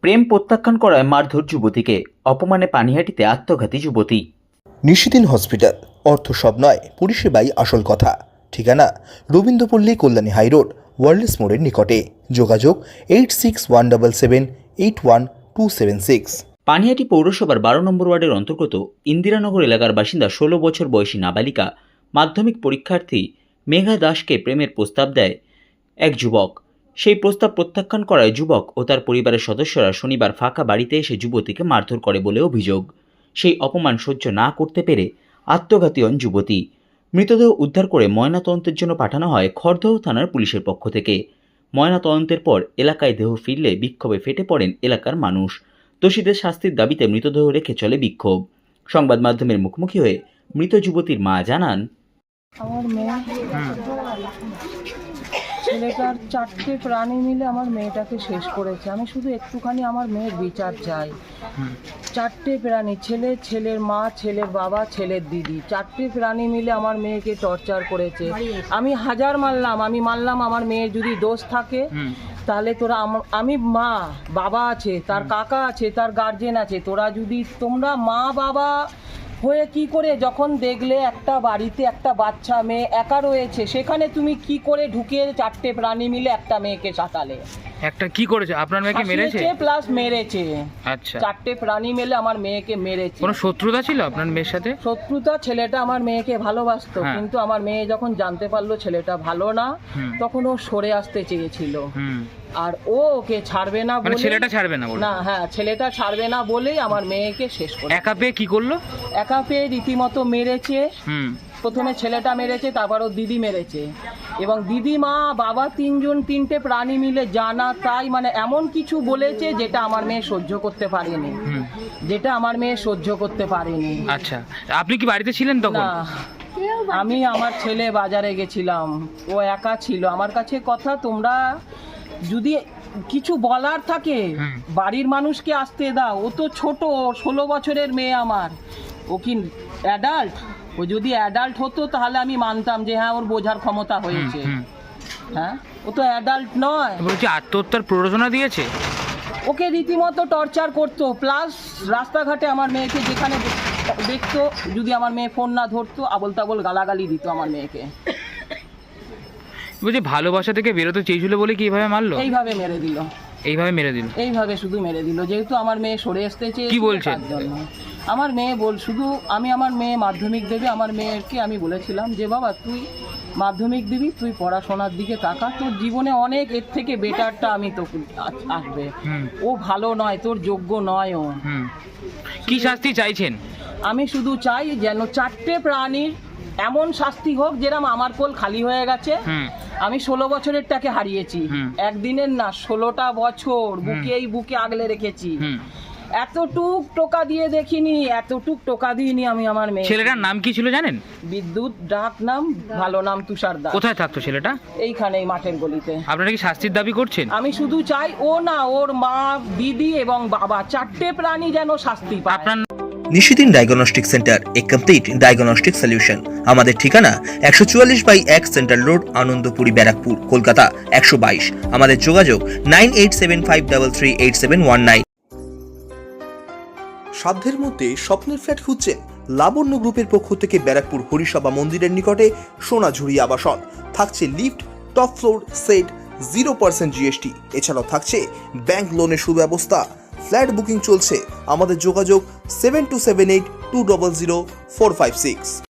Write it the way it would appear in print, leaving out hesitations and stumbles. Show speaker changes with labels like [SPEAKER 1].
[SPEAKER 1] প্রেম প্রত্যাখ্যান করায় মারধর যুবতীকে, অপমানে পানিহাটিতে আত্মঘাতী যুবতী।
[SPEAKER 2] নিশিদিন হসপিটাল, অর্থ সব নয়, পরিষেবাই আসল কথা। ঠিকানা রবীন্দ্রপল্লী, কল্যাণী হাইরোড, ওয়ার্ল্ডস মোড়ের নিকটে। যোগাযোগ 8617781276।
[SPEAKER 1] পানিহাটি পৌরসভার 12 নম্বর ওয়ার্ডের অন্তর্গত ইন্দিরানগর এলাকার বাসিন্দা 16 বছর বয়সী নাবালিকা মাধ্যমিক পরীক্ষার্থী মেঘা দাসকে প্রেমের প্রস্তাব দেয় এক যুবক। সেই প্রস্তাব প্রত্যাখ্যান করায় যুবক ও তার পরিবারের সদস্যরা শনিবার ফাঁকা বাড়িতে এসে যুবতীকে মারধর করে বলে অভিযোগ। সেই অপমান সহ্য না করতে পেরে আত্মঘাতী হন যুবতী। মৃতদেহ উদ্ধার করে ময়নাতদন্তের জন্য পাঠানো হয় খড়দহ থানার পুলিশের পক্ষ থেকে। ময়নাতদন্তের পর এলাকায় দেহ ফিরলে বিক্ষোভে ফেটে পড়েন এলাকার মানুষ। দোষীদের শাস্তির দাবিতে মৃতদেহ রেখে চলে বিক্ষোভ। সংবাদ মাধ্যমের মুখোমুখি হয়ে মৃত যুবতীর মা জানান,
[SPEAKER 3] আমার মেয়ে ছেলেটার 4টে প্রাণী মিলে আমার মেয়েটাকে শেষ করেছে। আমি শুধু একটুখানি আমার মেয়ের বিচার চাই। 4টে প্রাণী, ছেলে, ছেলের মা, ছেলের বাবা, ছেলের দিদি, 4টে প্রাণী মিলে আমার মেয়েকে টর্চার করেছে। আমি হাজার মানলাম, আমার মেয়ের যদি দোষ থাকে তাহলে তোরা আমি মা, বাবা আছে, তার কাকা আছে, তার গার্জেন আছে, তোমরা মা বাবা হয়ে কি করে যখন দেখলে একটা বাড়িতে একটা বাচ্চা মেয়ে একা রয়েছে, সেখানে তুমি কি করে ঢুকে 4টে প্রাণী মিলে একটা মেয়েকে সাঁতালে?
[SPEAKER 4] একটা কি করেছে? আপনার মেয়েকে মেরেছে
[SPEAKER 3] প্লাস মেরেছে।
[SPEAKER 4] আচ্ছা,
[SPEAKER 3] 4টে প্রাণী মিলে আমার মেয়েকে মেরেছে।
[SPEAKER 4] কোনো শত্রুতা ছিল আপনার মেয়ের সাথে?
[SPEAKER 3] শত্রুতা, ছেলেটা আমার মেয়েকে ভালোবাসতো, কিন্তু আমার মেয়ে যখন জানতে পারলো ছেলেটা ভালো না, তখন ও সরে আসতে চেয়েছিল। আর ওকে ছাড়বে না বলে,
[SPEAKER 4] ছেলেটা ছাড়বে না বলে,
[SPEAKER 3] না, হ্যাঁ, ছেলেটা ছাড়বে না বলেই আমার মেয়েকে শেষ করে।
[SPEAKER 4] একা পেয়ে কি করলো?
[SPEAKER 3] একা পেয়ে রীতিমতো মেরেছে। প্রথমে ছেলেটা মেরেছে, তারপর ও দিদি মেরেছে, এবং দিদি, মা, বাবা, 3টে প্রাণী মিলে জানা তাই মানে এমন কিছু বলেছে যেটা আমার মেয়ে সহ্য করতে পারেনি।
[SPEAKER 4] আচ্ছা, আপনি কি বাড়িতে ছিলেন তখন?
[SPEAKER 3] না, আমি আমার ছেলে বাজারে গেছিলাম, ও একা ছিল। আমার কাছে কথা, তোমরা যদি কিছু বলার থাকে বাড়ির মানুষকে আসতে দাও। ও তো ছোট, 16 বছরের মেয়ে আমার। ও কি অ্যাডাল্ট? ও যদি অ্যাডাল্ট হতো তাহলে আমি মানতাম যে হ্যাঁ, ওর বোঝার ক্ষমতা হয়েছে। হ্যাঁ, ও তো অ্যাডাল্ট নয়।
[SPEAKER 4] বলছি আত্মহত্যার প্ররোচনা দিয়েছে?
[SPEAKER 3] ওকে রীতিমতো টর্চার করতো, প্লাস রাস্তাঘাটে আমার মেয়েকে যেখানে দেখতো, যদি আমার মেয়ে ফোন না ধরতো, আবল তাবল গালাগালি দিত আমার মেয়েকে।
[SPEAKER 4] বলছি ভালোবাসা থেকে বেরোতে চেয়েছিল বলে কি এইভাবে মারলো?
[SPEAKER 3] এইভাবে মেরে দিল।
[SPEAKER 4] এইভাবে
[SPEAKER 3] শুধু মেরে দিল। যেহেতু আমার মেয়ে সরে আসতে চেয়েছে,
[SPEAKER 4] কি বলছেন?
[SPEAKER 3] আমার মেয়ে আমার মেয়ে মাধ্যমিক দেবে। আমার মেয়েকে আমি বলেছিলাম যে বাবা, তুই মাধ্যমিক দিবি, তুই পড়াশোনার দিকে তাকা, তোর জীবনে অনেক এর থেকে বেটারটা আমি তোকে আসবে। ও ভালো নয়, তোর যোগ্য নয় ও।
[SPEAKER 4] কি শাস্তি চাইছেন?
[SPEAKER 3] আমি শুধু চাই যেন 4টে প্রাণীর এমন শাস্তি হোক যেরকম আমার কোল খালি হয়ে গেছে। আমি 16 বছরেরটাকে হারিয়েছি, একদিনের না, 16টা বছর বুকে আগলে রেখেছি। এতটুক টোকা দিয়ে দেখিনি, এতটুক টোকা দিইনি আমি আমার মেয়ে।
[SPEAKER 4] ছেলেটার নাম কি ছিল জানেন?
[SPEAKER 3] বিদ্যুৎ, ডাক নাম, ভালো নাম তুষার দাস।
[SPEAKER 4] কোথায় থাকতো ছেলেটা?
[SPEAKER 3] এইখানে, এই মাঠের গলিতে।
[SPEAKER 4] আপনারা কি শাস্তির দাবি করছেন?
[SPEAKER 3] আমি শুধু চাই ও না, ওর মা, দিদি এবং বাবা, 4টে প্রাণী যেন শাস্তি পায়।
[SPEAKER 4] আপনার
[SPEAKER 2] Nishidin diagnostic centre, a complete diagnostic solution. আমাদের ঠিকানা 144/1 সেন্ট্রাল রোড, আনন্দপুরি, ব্যারাকপুর, কলকাতা 122। আমাদের যোগাযোগ 9875338719। সাধ্যের মধ্যে স্বপ্নের ফ্ল্যাট খুঁজছেন? লাবণ্য গ্রুপের পক্ষ থেকে ব্যারাকপুর হরিসভা মন্দিরের নিকটে সোনাঝুরি আবাসন। থাকছে lift, top floor, set, 0% GST। এছাড়াও থাকছে ব্যাংক লোনের সুব্যবস্থা। ফ্ল্যাট বুকিং চলছে। আমাদের যোগাযোগ 7278200456।